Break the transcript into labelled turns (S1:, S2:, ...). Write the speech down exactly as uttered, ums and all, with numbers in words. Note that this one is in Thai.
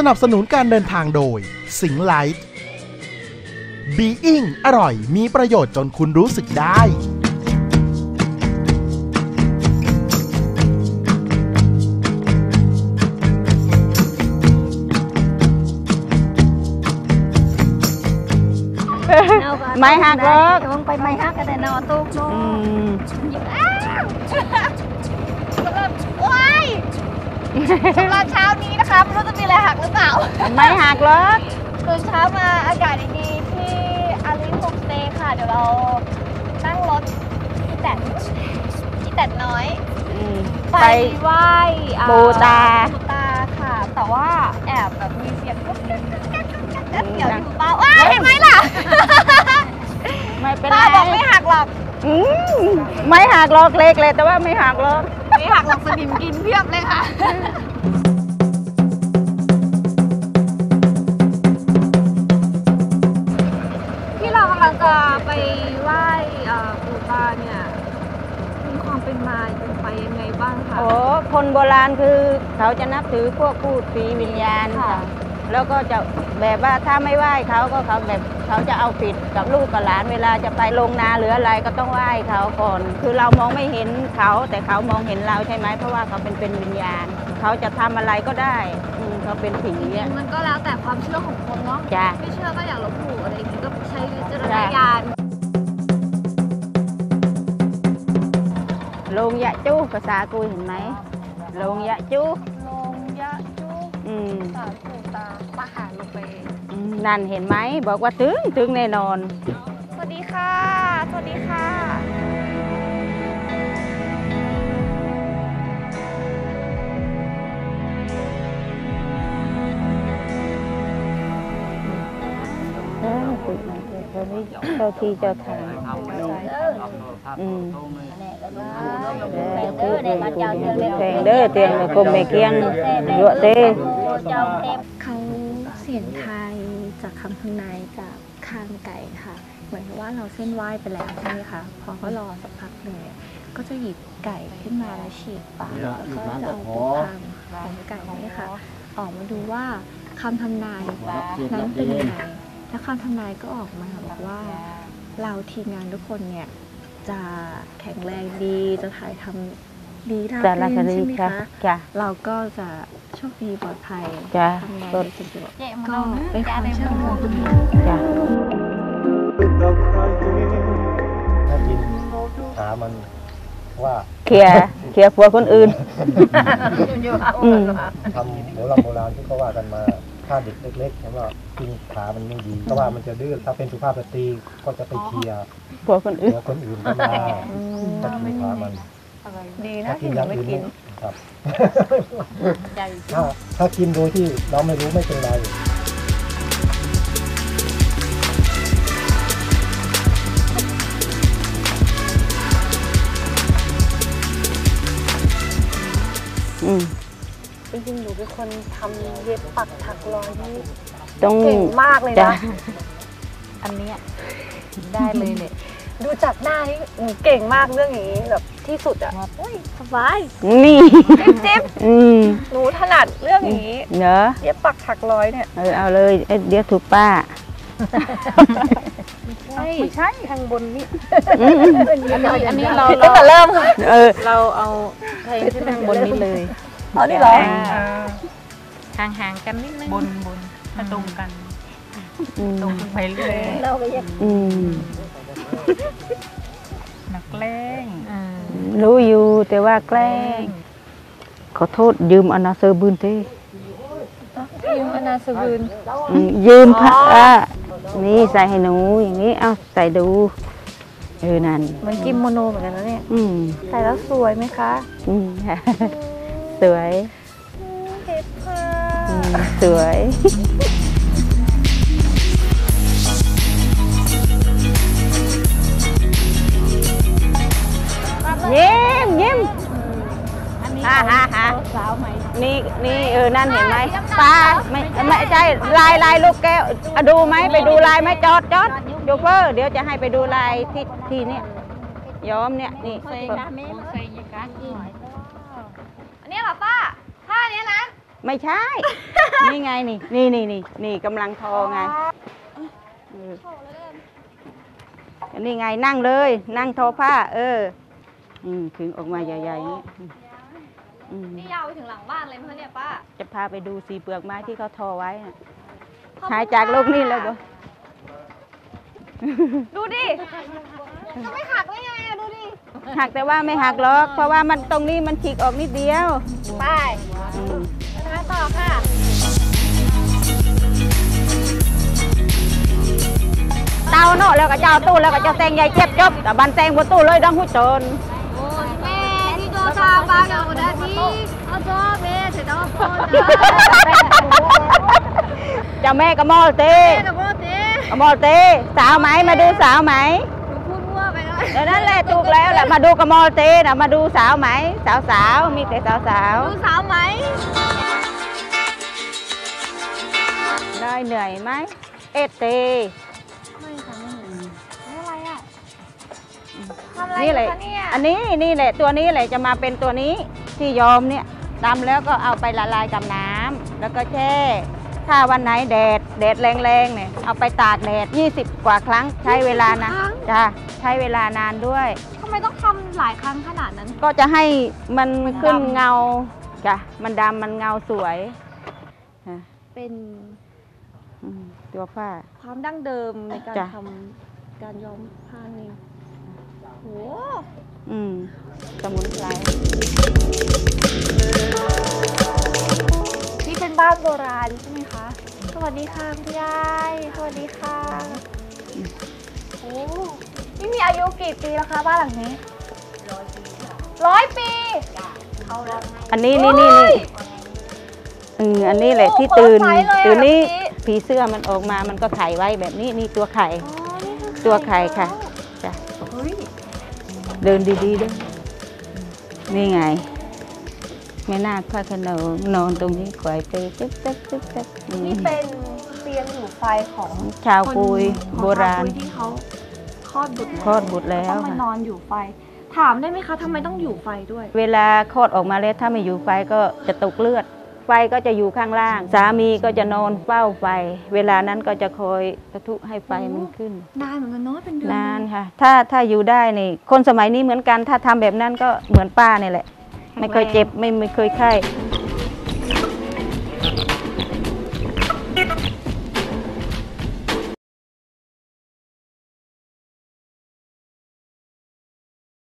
S1: นับสนุนการเดินทางโดยสิงห์ไลท์บีอิงอร่อยมีประโยชน์จนคุณรู้สึกได้
S2: ไม่หักหรอก
S3: ลงไปไม่หักก็ได้นอนตุ๊กลงสำหรับว้ายสำหรับเช้านี้นะคะไม่รู้จะมีอะไรหักหรือเปล่า
S2: ไม่หักหรอก
S3: ตื่นเช้ามาอากาศดีๆที่อารินโฮมสเตย์ค่ะเดี๋ยวเรานั่งรถอีแตนอีแตนน้อยไปไหว้
S2: ปูตา
S3: ปูตาค่ะแต่ว่าแอบแบบมีเสียงกุ๊กกิ๊กเดี๋ยวอยู่เปล่าว้ายเห็นไหมล่ะ
S2: ไม่เป็นไร
S3: ป้าบอกไม่หักหรอก
S2: ไม่หักหรอกเล็กเลยแต่ว่าไม่หักหรอก
S3: ไม่หักหรอกสนิมกินเพียบเลยค่ะที่เรากำลังจะไปไหว้ปู่ตาเนี่ยมีความเป็นมาเป็นไปยังไงบ้างคะ
S2: โอ้คนโบราณคือเขาจะนับถือพวกพูดผีวิญญาณค่ะแล้วก็จะแบบว่าถ้าไม่ไหว้เขาก็เขาแบบเขาจะเอาผิดกับลูกกับหลานเวลาจะไปลงนาหรืออะไรก็ต้องไหว้เขาก่อนคือเรามองไม่เห็นเขาแต่เขามองเห็นเราใช่ไหมเพราะว่าเขาเป็นเป็นวิญญาณเขาจะทำอะไรก็ได้เขาเป็นผีเนี่ย
S3: มันก็แล้วแต่ความเชื่อของคนเนาะไม่เชื่อก็อย่าลบหลู่อะไรอย่างนี้ก็ใช้วิจารณญาณ
S2: ลงยะจู้ภาษากุยเห็นไหมลงยะจู้
S3: ลงยะจู้สาธุตาปะหาลงไป
S2: นั่นเห็นไหมบอกว่าถึงถึงแน่นอน
S3: สวัสดีค่ะสวัสดีค่ะ
S2: เจ้าที่เจ้าทางอืมแพงเด้อเตียงกลมแม่เกียงเยอะเต้
S4: เขาเสียงไทยจากคำทำนายจากคางไก่ค่ะเหมือนว่าเราเส้นไหว้ไปแล้วใช่ไหมคะพอเขารอสักพักหนึ่งก็จะหยิบไก่ขึ้นมาแล้วฉีกปากแล้วก็จะเอาตัวคางของไก่นี่ค่ะออกมาดูว่าคำทำนายนั้นเป็นยังไงและคำทำนายก็ออกมาบอกว่าเราทีมงานทุกคนเนี่ยจะแข็งแรงดีจะถ่ายทำดีราบรื่นใช่ไหมคะเราก็จะโชคดีปลอดภัยทำงานได้สะดวกก็เป็นความเชื่อของคุณจ้ะ
S5: ถ้ากินหามันว่า
S2: เขี่ยเขี่ยผัวคนอื่น
S5: ทำโบราณโบราณที่เขาว่ากันมาถ้าเด็กเล็กๆแล้วก็กินขามันไม่ดีเพราะว่ามันจะดื้อถ้าเป็นสุภาพสตรีก็จะไปเคลียร์
S2: ผัวคนอื่น
S5: คนอื่นก็มาถ้ากินขามัน
S3: ดีนะ
S5: ที่ยังไม่กินครับถ้าถ้ากินโดยที่เราไม่รู้ไม่เป็นไร
S2: อืม
S3: จริงๆหนูเป็นคนทำเย็บปักถักร้อยนี่
S2: ต้อง
S3: เก่งมากเลยนะ
S2: อันนี้ได้เลยเนี่ย
S3: ดูจากหน้านี่หนูเก่งมากเรื่องอย่างนี้แบบที่สุดอ่ะสบาย
S2: นี่
S3: จิ๊บหนูถนัดเรื่องอย่างนี้
S2: เนอะ
S3: เย็บปักถักร้อยเนี่ย
S2: เออเอาเลยเดี๋ยวถูกป้า
S3: ไม่ใช่ทางบนนี่
S2: อันนี้เรา
S3: ตั้งแต่เริ่ม
S2: เออ
S3: เราเอา
S2: ใช้ที่ทางบนนี้เลย
S3: เอานี่เหรอ
S6: ห่างๆกันนิดนึงบนบนถ้าตรงกันตรงไปเรื่อย
S3: เราไปยัง
S6: นักแกล้ง
S2: รู้อยู่แต่ว่าแกล้งขอโทษยืมอนาเซอร์บืนเต้
S3: ยืมอนาเซอร์บืน
S2: ยืมพระนี่ใส่ให้หนูอย่างนี้เอาใส่ดูเออนั่น
S3: มันกิมโมโนเหมือนกันนะเนี่ยใส่แล้วสวยไหมคะ
S2: สวยสวยยิ้มยิ้มฮ่าฮ่าฮ่านี่นี่เออนั่นเห็นไหมป้าไม่ไม่ใช่ลายลายลูกแก้วดูไหมไปดูลายไหมจอดจอดโชเฟอร์เดี๋ยวจะให้ไปดูลายที่ที่นี่ย้อมเนี่ยนี่
S3: อันนี้เหรอป้าท่านี้นะ
S2: ไม่ใช่ นี่ไงนี่นี่นี่นี่นี่กำลังทอไงเออนี่ไงนั่งเลย นั่งทอผ้า เอออืมถึงออกมาใหญ่ๆนี่อืม
S3: นี่ยาวไปถึงหลังบ้านเลยมั้ยเนี่ยป้า
S2: จะพาไปดูสีเปลือกไม้ที่เขาทอไว้น่ะหายจากโลกนี้แล้วบ่
S3: ดูดิจะไม่หักได้ไงอะดูดิ
S2: หักแต่ว่าไม่หักหรอก เพราะว่ามันตรงนี้มันฉีกออกนิดเดียว
S3: ไป
S2: อืม
S3: มาต่อค่ะ
S2: เตาเนาะแล้วก็เจ้าตู้แล้วก็เจ้าแตงใหญ่เจ็บจบแต่บันแตงบนตู้เลยดังหุ่นจน
S3: โอ้ยแม่ที่โดนตาบ้ากันหมดแล้วที่เอาจ้าแม่เสร็จแล้วโอนนะ
S2: เจ้าแม่กระมอลเต้
S3: แม่กับพ่อเต้
S2: กระมอลเต้สาวไหมมาดูสาวไหม
S3: หนูพูดมั่วไปแล้ว
S2: เดี๋ยวนั้นแหละถูกแล้วแหละมาดูกระมอลเต้นะมาดูสาวไหมสาวสาวมีแต่สาวสาว
S3: ดูสาวไหม
S2: ได้เหนื่อยไหมเอเต
S3: ไม่ค่ะไม่เห็นนี่อะไรอ่ะทำอะไร
S2: นี่
S3: อ
S2: แห
S3: ยู่
S2: ละ
S3: คะเนี่ย
S2: อันนี้นี่แหละตัวนี้แหละจะมาเป็นตัวนี้ที่ยอมเนี่ยดำแล้วก็เอาไปละลายกับน้ำแล้วก็แช่ถ้าวันไหนแดดแดดแรงๆเนี่ยเอาไปตากแดดยี่สิบกว่าครั้งใช้เวลานะจ้ะใช้เวลานานด้วย
S3: ทำไมต้องทำหลายครั้งขนาดนั้น
S2: ก็จะให้มัน
S3: มัน
S2: ขึ้น
S3: ดำ
S2: เงาจ้ะมันดำมันเงาสวยอ่ะ
S3: เป็น
S2: อืมตัวผ้า
S3: ความดั้งเดิมในการ
S2: จ้ะ
S3: ทำการย้อมผ้านี่โห
S2: อืมสมุนไพร
S3: นี่เป็นบ้านโบราณใช่ไหมคะ สวัสดีค่ะคุณยายสวัสดีค่ะโอ้นี่มีอายุกี่ปีแล้วคะบ้านหลังนี้ร้อยปีร้อยปี
S2: อันนี้นี่นี่นี่อืมอันนี้แหละที่ตื่น
S3: โอ้โหเปิดไฟเลยอะ
S2: ตื่นนี้
S3: แบบนี้
S2: ผีเสื้อมันออกมามันก็ไข่ไว้แบบนี้นี่ตัวไข่
S3: อ๋อนี่คือ
S2: ตัวไข่ค่ะจ้ะ
S3: เฮ้ย
S2: เดินดีๆด้วยนี่ไงแม่นาคพระโขนงนอนตรงนี้ไขว่ไปตึ๊กตึ๊กตึ๊กตึ๊กอืม
S3: นี่เป็นเตียงอยู่ไฟของ
S2: ชาวกุย
S3: คน
S2: โบราณ
S3: ของชวกุยที่เขาคลอดบุตร
S2: คลอดบุตรแล้ว
S3: ต้องมา
S2: ค่ะ
S3: นอนอยู่ไฟ ถามได้ไหมคะทำไมต้องอยู่ไฟด้วย
S2: เวลาคลอดออกมาแล้วถ้าไม่อยู่ไฟก็จะตกเลือด ไฟก็จะอยู่ข้างล่าง สามีก็จะนอนเฝ้าไฟ เวลานั้นก็จะคอยกระทุให้ไฟมันขึ้น
S3: นานเหมือนกันเนาะเป็นเดือน
S2: นานค่ะ ถ้าถ้าอยู่ได้นี่ คนสมัยนี้เหมือนกัน ถ้าทำแบบนั้นก็เหมือนป้านี่แหละ ไม่เคยเจ็บไม่ไม่เคยไข้